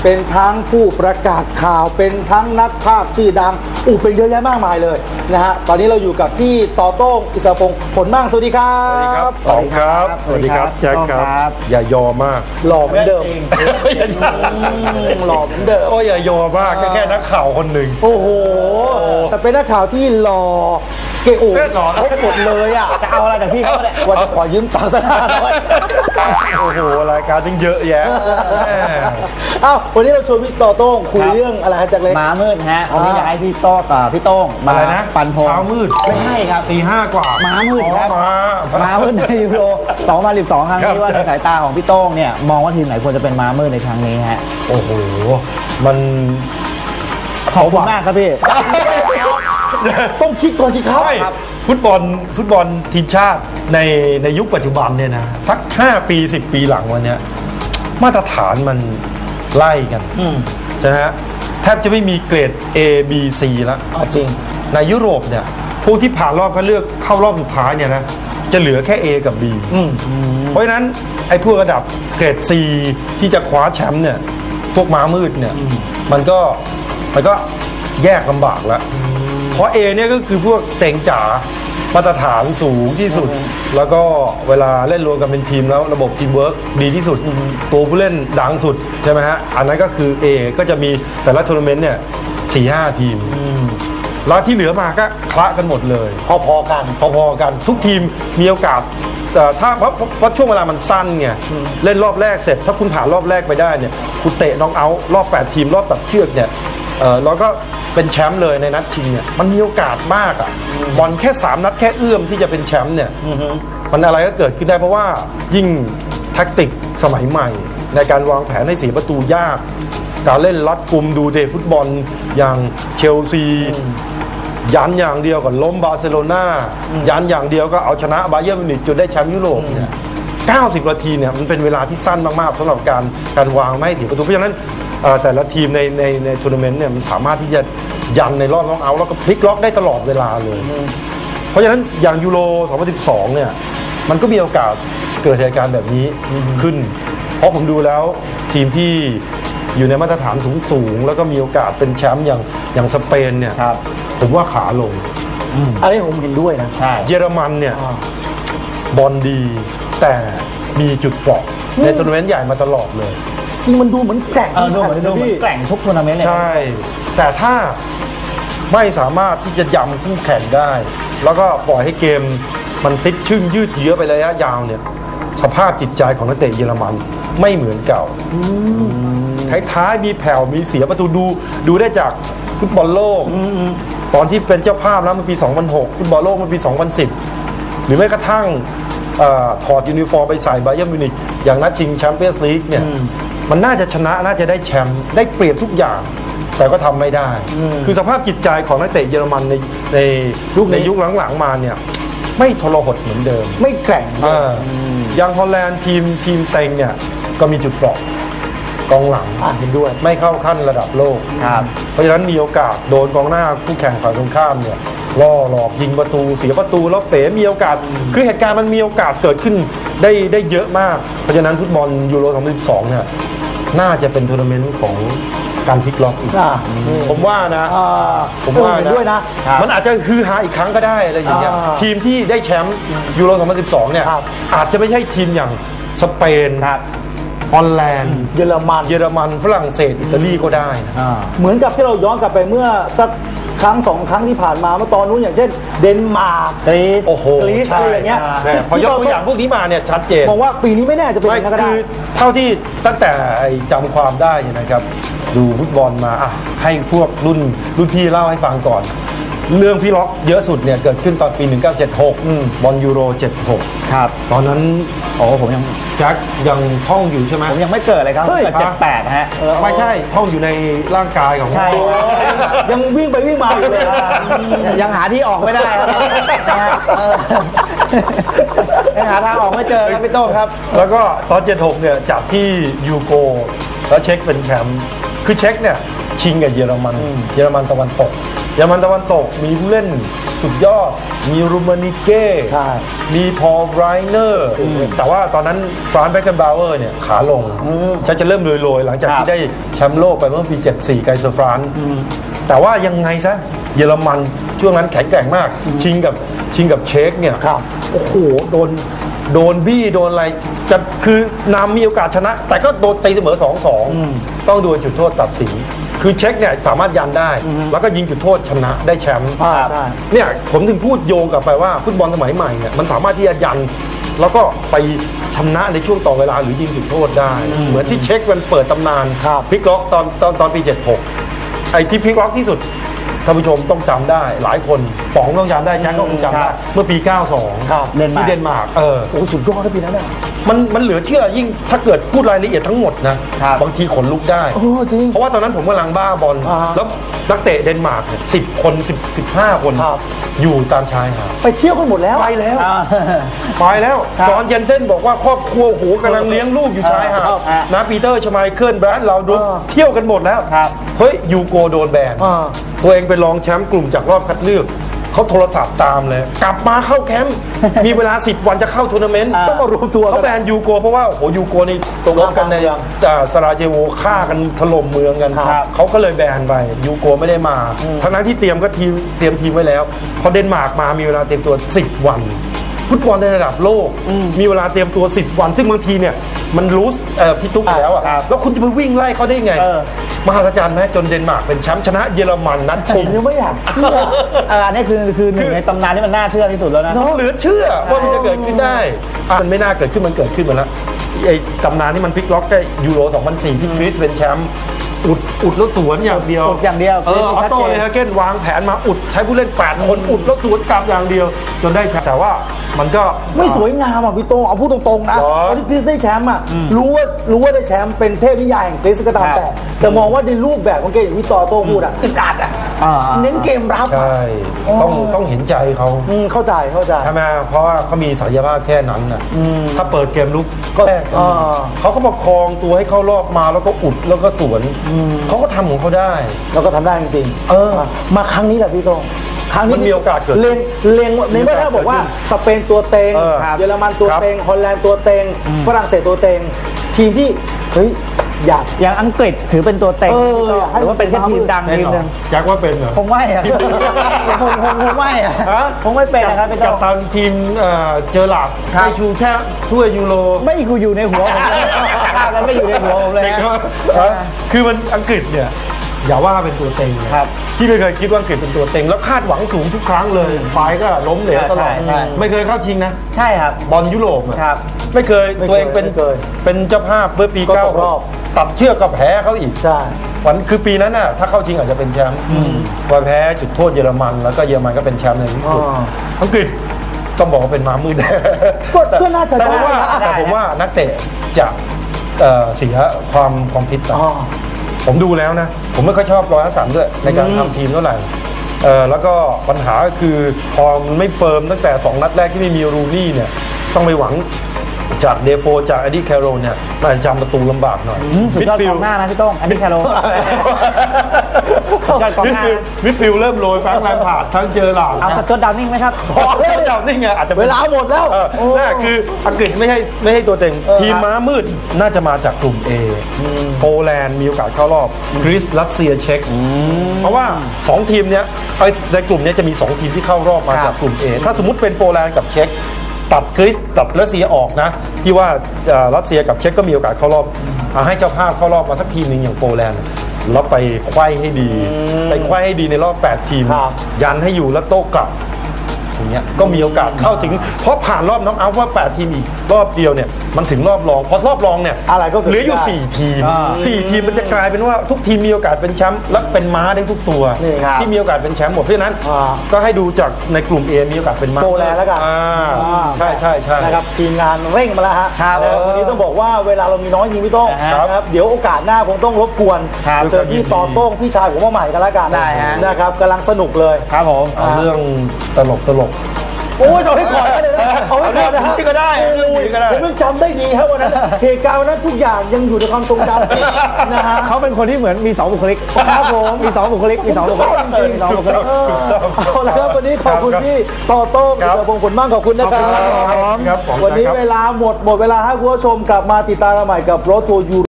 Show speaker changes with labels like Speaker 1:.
Speaker 1: เป็นทั้งผู้ประกาศข่าวเป็นทั้งนักภาคชื่อดังเป็นเยอะแยะมากมายเลยนะฮะตอนนี้เราอยู่กับพี่ต่อโต้งอิสระพงศ์ผลมั่งสวัสดีครับ
Speaker 2: สวัสดีครับสวัสดีครับแจ็คครับอย่ายอมาก
Speaker 1: หล่อเหมือนเดิมหล่อเหมือนเดิม
Speaker 2: อย่ายอมากแค่นักข่าวคนหนึ่ง
Speaker 1: โอ้โหแต่เป็นนักข่าวที่หล่อเก่งครบหมดเลยอ่ะจะเอาอะไรจากพี่เขาเนี่ยว่าจะขอยืมตังค์สักหน่อย
Speaker 2: โอ้โหรายการจึงเยอะแยะ
Speaker 1: วันนี้เราชวนพี่ต่อโต้งคุยเรื่องอะไรฮะแจ็คเล็ก
Speaker 3: ม้ามืดฮะวันนี้อยากให้พี่โต้งมาปันพง
Speaker 2: เช้ามืด
Speaker 3: ไม่ใช่ครับ
Speaker 2: ตี 5 กว่า
Speaker 3: ม้ามืดครับม้ามืดในยูโร2012ครั้งนี้ว่าในสายตาของพี่โต้งเนี่ยมองว่าทีมไหนควรจะเป็นม้ามืดในครั้งนี้ฮะ
Speaker 2: โอ้โหมัน
Speaker 3: ขอบคุณมากครับพี่
Speaker 1: ต้องคิดก่อนสิครับ
Speaker 2: ฟุตบอลทีมชาติในยุคปัจจุบันเนี่ยนะสัก5 ปี 10 ปีหลังวันนี้มาตรฐานมันไล่กันนะฮะแทบจะไม่มีเกรด A B C แล้ว
Speaker 1: จริง
Speaker 2: ในยุโรปเนี่ยพวกที่ผ่านรอบก็เลือกเข้ารอบสุดท้ายเนี่ยนะจะเหลือแค่ A กับ B เพราะฉะนั้นไอ้พวกระดับเกรด C ที่จะคว้าแชมป์เนี่ยพวกม้ามืดเนี่ยมันก็แยกลำบากแล้วเพราะ A เนี่ยก็คือพวกเต็งจ๋ามาตรฐานสูงที่สุดแล้วก็เวลาเล่นรวมกันเป็นทีมแล้วระบบทีมเวิร์กดีที่สุดตัวผู้เล่นดังสุดใช่ไหมฮะอันนั้นก็คือ A ก็จะมีแต่ละทัวร์นาเมนต์เนี่ย 4-5 ทีมแล้วที่เหลือมาก็คละกันหมดเลย
Speaker 1: พอๆ
Speaker 2: กันทุกทีมมีโอกาสถ้าเพราะช่วงเวลามันสั้นไงเล่นรอบแรกเสร็จถ้าคุณผ่านรอบแรกไปได้เนี่ยคุณเตะน็อกเอาท์รอบ8 ทีมรอบตัดเชือกเนี่ยแล้วก็เป็นแชมป์เลยในนัดชิงเนี่ยมันมีโอกาสมากบอลแค่3 นัดแค่เอื้อมที่จะเป็นแชมป์เนี่ยมันอะไรก็เกิดขึ้นได้เพราะว่ายิ่งแทคติกสมัยใหม่ในการวางแผนให้เสียประตูยากการเล่นรัดกุมดูเดฟุตบอลอย่างเชลซียันอย่างเดียวกับล้มบาร์เซโลนายันอย่างเดียวก็เอาชนะบาเยิร์นมิวนิกจนได้แชมป์ยุโรปเนี่ย90 นาทีเนี่ยมันเป็นเวลาที่สั้นมากๆสำหรับการวางไม่ให้เสียประตูเพราะฉะนั้นแต่ละทีมในทัวร์นาเมนต์เนี่ยมันสามารถที่จะยันในรอบน็อกเอาท์แล้วก็พลิกล็อกได้ตลอดเวลาเลยเพราะฉะนั้นอย่างยูโร2012เนี่ยมันก็มีโอกาสเกิดเหตุการณ์แบบนี้ขึ้นเพราะผมดูแล้วทีมที่อยู่ในมาตรฐานสูงแล้วก็มีโอกาสเป็นแชมป์อย่างสเปนเนี่ยผมว่าขาลง
Speaker 1: อันนี้ผมเห็นด้วยนะ
Speaker 3: ใช่
Speaker 2: เยอรมันเนี่ยบอลดีแต่มีจุดเปราะในทัวร์นาเมนต์ใหญ่มาตลอดเลย
Speaker 1: จริงมันดูเหมือนแกร่ง
Speaker 3: ดูเหมือนแกร่งทุกทัวร์นาเมนต์เลย
Speaker 2: ใช่แต่ถ้าไม่สามารถที่จะยำคู่แข่งได้แล้วก็ปล่อยให้เกมมันติดชึ่งยืดเยื้อไประยะยาวเนี่ยสภาพจิตใจของนักเตะเยอรมันไม่เหมือนเก่าท้ายๆมีแผ่วมีเสียประตูดูได้จากฟุตบอลโลกตอนที่เป็นเจ้าภาพแล้วมันปี2006ฟุตบอลโลกมันปี2010หรือแม้กระทั่งถอดยูนิฟอร์มไปใส่บาเยิร์นมิวนิกอย่างนัดชิงแชมเปี้ยนส์ลีกเนี่ยมันน่าจะชนะน่าจะได้แชมป์ได้เปรียบทุกอย่างแต่ก็ทำไม่ได้คือสภาพจิตใจของนักเตะเยอรมันในยุคหลังๆมาเนี่ยไม่ทรหดเหมือนเดิม
Speaker 1: ไม่แกร่ง
Speaker 2: อย่างฮอลแลนด์ทีมเต็งเนี่ยก็มีจุดเปราะกองหลัง
Speaker 1: เห็นด้วย
Speaker 2: ไม่เข้าขั้นระดับโลกเพราะฉะนั้นมีโอกาสโดนกองหน้าคู่แข่งฝ่ายตรงข้ามเนี่ยล่อหลอกยิงประตูเสียประตูแล้วเป๋มีโอกาสคือเหตุการณ์มันมีโอกาสเกิดขึ้นได้เยอะมากเพราะฉะนั้นฟุตบอลยูโร2012เนี่ยน่าจะเป็นทัวร์นาเมนต์ของการพลิกล็อกอีกผมว่านะ
Speaker 1: ผมว่าด้วยนะ
Speaker 2: มันอาจจะฮือฮาอีกครั้งก็ได้อะไรอย่างเงี้ยทีมที่ได้แชมป์ยูโร2012เนี่ยอาจจะไม่ใช่ทีมอย่างสเปนฮอลแลนด์
Speaker 1: เยอรมัน
Speaker 2: ฝรั่งเศสอิตาลีก็ได้นะ
Speaker 1: เหมือนกับที่เราย้อนกลับไปเมื่อสักครั้ง2 ครั้งที่ผ่านมาเมื่อตอนนู้นอย่างเช่นเดนมาร์กกรีซอะไรอย่างเงี้ย
Speaker 2: พอยกตัวอย่างพวกนี้มาเนี่ยชัดเจน
Speaker 1: มองว่าปีนี้ไม่แน่จะเป็นอย่างนั้นก็ได้
Speaker 2: คือเท่าที่ตั้งแต่จำความได้นะครับดูฟุตบอลมาให้พวกรุ่นพี่เล่าให้ฟังก่อนเรื่องพี่ล็อกเยอะสุดเนี่ยเกิดขึ้นตอนปี1976บอลยูโร76
Speaker 3: ครับ
Speaker 2: ตอนนั้นผมยังแจ็คยังท่องอยู่ใช่ไหม
Speaker 3: ผมยังไม่เกิดเลยครับเกิด78ฮะ
Speaker 2: ไม่ใช่ท่องอยู่ในร่างกายของ
Speaker 3: ใช่
Speaker 1: ยังวิ่งไปวิ่งมาอยู่เลย
Speaker 3: ยังหาที่ออกไม่ได้ยังหาทางออกไม่เจอครับพี่โต้งครับ
Speaker 2: แล้วก็ตอน76เนี่ยจับที่ยูโกแล้วเช็คเป็นแชมป์คือเช็คเนี่ยแชิงกับเยอรมันเยอรมันตะวันตกมีผู้เล่นสุดยอดมีรูมานิเก้
Speaker 1: ใช่
Speaker 2: มีพอลไรเนอร์แต่ว่าตอนนั้นฟรานซ์แบ็คเกนบาวเออร์เนี่ยขาลงจะเริ่มโรยๆหลังจากที่ได้แชมป์โลกไปเมื่อปี 74 ไกเซอร์ฟรานซ์แต่ว่ายังไงซะเยอรมันช่วงนั้นแข็งแกร่งมากชิงกับเช็กเนี่ยโอ้โหโดนบี้โดนอะไรจะคือนำมีโอกาสชนะแต่ก็โดนตีเสมอ 2-2 ต้องโดนจุดโทษตัดสินคือเช็กเนี่ยสามารถยันได้แล้วก็ยิงจุดโทษชนะได้แชมป์เนี่ยผมถึงพูดโยงกลับไปว่าฟุตบอลสมัยใหม่เนี่ยมันสามารถที่จะยันแล้วก็ไปชนะในช่วงต่อเวลาหรือยิงจุดโทษได้เหมือนที่เช็กมันเปิดตำนานพลิกล็อกตอนปี 76 ไอ้ที่พลิกล็อกที่สุดท่านผู้ชมต้องจำได้หลายคนป๋องต้องจำได้แจ็คก็คงจำได้เมื่อปี 92 ที่เดนมาร์ก
Speaker 1: โอ้สุดยอดนะปีนั้นน่ะ
Speaker 2: มันเหลือเชื่อยิ่งถ้าเกิดพูดรายละเอียดทั้งหมดนะบางทีขนลุกได้เพราะว่าตอนนั้นผมกำลังบ้าบอลแล้วนักเตะเดนมาร์ก10 คน 15 คนอยู่ตามชายหาด
Speaker 1: ไปเที่ยวกันหมดแล้ว
Speaker 2: ไปแล้วจอห์นเยนเซ่นบอกว่าครอบครัวโหกำลังเลี้ยงลูกอยู่ชายหาดนะปีเตอร์ชไมเคิลแบรนด์เราดูเที่ยวกันหมดแล้วเฮ้ยยูโกโดนแบนตัวเองเป็นรองแชมป์กลุ่มจากรอบคัดเลือกเขาโทรศัพท์ตามเลยกลับมาเข้าแคมป์มีเวลา10 วันจะเข้าทัวร์นาเมนต์
Speaker 1: ต้องมารวมตัว
Speaker 2: เขาแบนยูโกเพราะว่าโอ้ยูโกนี่รบกันในสราเจโวฆ่ากันถล่มเมืองกันเขาก็เลยแบนไปยูโกไม่ได้มาทั้งนั้นที่เตรียมทีมไว้แล้วพอเดนมาร์กมามีเวลาเตรียมตัว10 วันฟุตบอลในระดับโลกมีเวลาเตรียมตัว10 วันซึ่งบางทีเนี่ยมันรู้พี่ตุ๊กแล้วอ่ะแล้วคุณจะไปวิ่งไล่เขาได้ไงมหัศจรรย์ไหมจนเดนมาร์กเป็นแชมป์ชนะเยอรมันนัดชิง
Speaker 1: ผมยังไม่อยากเชื่อ
Speaker 3: อันนี้คือหนึ่งในตำนานที่มันน่าเชื่อที่สุดแล้วนะ
Speaker 2: เหลือเชื่อว่ามันจะเกิดขึ้นได้มันไม่น่าเกิดขึ้นมันเกิดขึ้นมาแล้วไอ้ตำนานที่มันพลิกล็อกได้ยูโร 2004 ที่กรีซเป็นแชมป์อุดแล้วสวนอย่างเดียว
Speaker 3: อ
Speaker 2: อโต้เลยฮะเก้นวางแผนมาอุดใช้ผู้เล่น8 คนอุดแล้วสวนกลับอย่างเดียวจนได้แชมป์แต่ว่ามันก็
Speaker 1: ไม่สวยงามอ่ะพี่โตเอาพูดตรงๆนะตอนที่กรีซได้แชมป์อ่ะรู้ว่าได้แชมป์เป็นเทพนิยายแห่งกรีซก็ตามแต่มองว่าในรูปแบบของเกมอย่างที่ต่อโต้พูดอ่ะอึดอัดอ่ะเน้นเกมรับ
Speaker 2: ใช่ต้องเห็นใจเขา
Speaker 1: เข้าใจ
Speaker 2: ใช่ไหมเพราะว่าเขามีศักยภาพแค่นั้นน่ะถ้าเปิดเกมลุกก็แรกเขาก็ประคองตัวให้เข้ารอบมาแล้วก็อุดแล้วก็สวนเขาก็ทำของเขาได้
Speaker 1: แล้วก็ทำได้จริงๆมาครั้งนี้แหละพี่โตครั้งนี้
Speaker 2: มันมีโอกาสเกิด
Speaker 1: เล็งในเมื่อถ้าบอกว่าสเปนตัวเต็งเยอรมันตัวเต็งฮอลแลนด์ตัวเต็งฝรั่งเศสตัวเต็งทีมที่เฮ้ย
Speaker 3: อย่างอังกฤษถือเป็นตัวเต็งหรือว่าเป็นแค่ทีมดังทีมนึง
Speaker 2: แจ็คว่าเป็นเหรอ
Speaker 3: คงไม่อะคงไม่อะคงไม่เป็นนะครับเป็น
Speaker 2: กัปตันทีมเจอหลักได้ชูแค่ถ้วยยูโร
Speaker 3: ไม่อยู่ในหัวผมกันไม่อยู่ในหัวผมเลย
Speaker 2: คือมันอังกฤษเนี่ยอย่าว่าเป็นตัวเต็งครับที่ไม่เคยคิดว่าอังกฤษเป็นตัวเต็งแล้วคาดหวังสูงทุกครั้งเลยฝ่ายก็ล้มเหลวตลอดไม่เคยเข้าชิงนะ
Speaker 3: ใช่ครับ
Speaker 2: บอลยุโรป
Speaker 3: ครับ
Speaker 2: ไม่เคยตัวเองเป็นเจ้าภาพเมื่อปี9ตัดเชือกกับแพ้เขาอีก
Speaker 1: ใช่
Speaker 2: วันคือปีนั้นน่ะถ้าเข้าชิงอาจจะเป็นแชมป์พอแพ้จุดโทษเยอรมันแล้วก็เยอรมันก็เป็นแชมป์ในที่สุดอังกฤษต้องบอกว่าเป็นม้ามืด
Speaker 1: ก็น่าจะ
Speaker 2: แต่ผมว่านักเตะจะเสียความฟิตไปผมดูแล้วนะผมไม่ค่อยชอบร้อยสันด้วยในการทำทีมเท่าไหร่แล้วก็ปัญหาก็คือพอมันไม่เฟิร์มตั้งแต่2 นัดแรกที่ไม่มีรูนี่เนี่ยต้องไปหวังจากเดโฟจากเอ็ดดี้แคโรเนี่ยมันจำประตูลำบากหน่อย
Speaker 3: สุดยอดกองหน้านะพี่ต้องเอ็ดดี้แคโร
Speaker 2: มิดฟิลเริ่มโรยแฟรงค์แลมพาร์ดทั้งเจอหลา
Speaker 3: เอาสัตว์ดาวนิ่งไหมครับ
Speaker 2: พอแล้วดาวนิ่งไงอาจจะ
Speaker 1: เวลาหมดแล้ว
Speaker 2: นั่นคืออังกฤษไม่ให้ตัวเต็งทีมม้ามืดน่าจะมาจากกลุ่ม A โปแลนด์มีโอกาสเข้ารอบกรีซรัสเซียเช็กเพราะว่า2 ทีมเนี้ยในกลุ่มนี้จะมี2 ทีมที่เข้ารอบมาจากกลุ่ม A ถ้าสมมุติเป็นโปแลนด์กับเช็กตัดกรีซตัดรัสเซียออกนะที่ว่ารัสเซียกับเช็กก็มีโอกาสเข้ารอบให้เจ้าภาพเข้ารอบมาสักทีมนึงอย่างโปแลนด์แล้วไปไขว้ให้ดีในรอบ8 ทีมยันให้อยู่แล้วโต้กลับอย่างเงี้ยก็มีโอกาสเข้าถึงเพราะผ่านรอบน็อกเอาท์ว่า8 ทีมอีกรอบเดียวเนี่ยมันถึงรอบรองพอรอบรองเนี่ย
Speaker 1: อะไรก็
Speaker 2: เหลืออยู่4 ทีม4 ทีมมันจะกลายเป็นว่าทุกทีมมีโอกาสเป็นแชมป์และเป็นม้าได้ทุกตัวที่มีโอกาสเป็นแชมป์หมดเพราะฉะนั้นก็ให้ดูจากในกลุ่ม A มีโอกาสเป็นม้า
Speaker 1: โปแลนด์แล้วกัน
Speaker 2: ใช่
Speaker 1: นะครับทีมงานเร่งมาแล้วฮะวันนี้ต้องบอกว่าเวลาเรามีน้อยจริงพี่ต้องนะครับเดี๋ยวโอกาสหน้าคงต้องรบกวนเจอพี่ต่อโต้งพี่ชายผมมาใหม่กันแล้วกันนะครับกำลังสนุกเลย
Speaker 3: ครับผม
Speaker 2: เรื่องตลก
Speaker 1: โอ้ยเอาให้ก่อนก็เลยนะเอาให้ก่อนนะฮะ
Speaker 2: ที่ก็ได้
Speaker 1: ผมยังจำได้ดีครับวันนั้นเหตุการณ์วันนั้นทุกอย่างยังอยู่ในความทรงจำนะฮะ
Speaker 3: เขาเป็นคนที่เหมือนมี2บุคลิกครับผมมี2บุคลิกมี2บุคลิกจริงๆ2บุคลิก
Speaker 1: เอาละครับวันนี้ขอบคุณพี่ต่อโต้งกิจพงศ์ผลมากขอบคุณนะครับ
Speaker 2: ครับ
Speaker 1: วันนี้เวลาหมดเวลาให้คุณผู้ชมกลับมาติดตามกันใหม่กับรถทัวร์ยู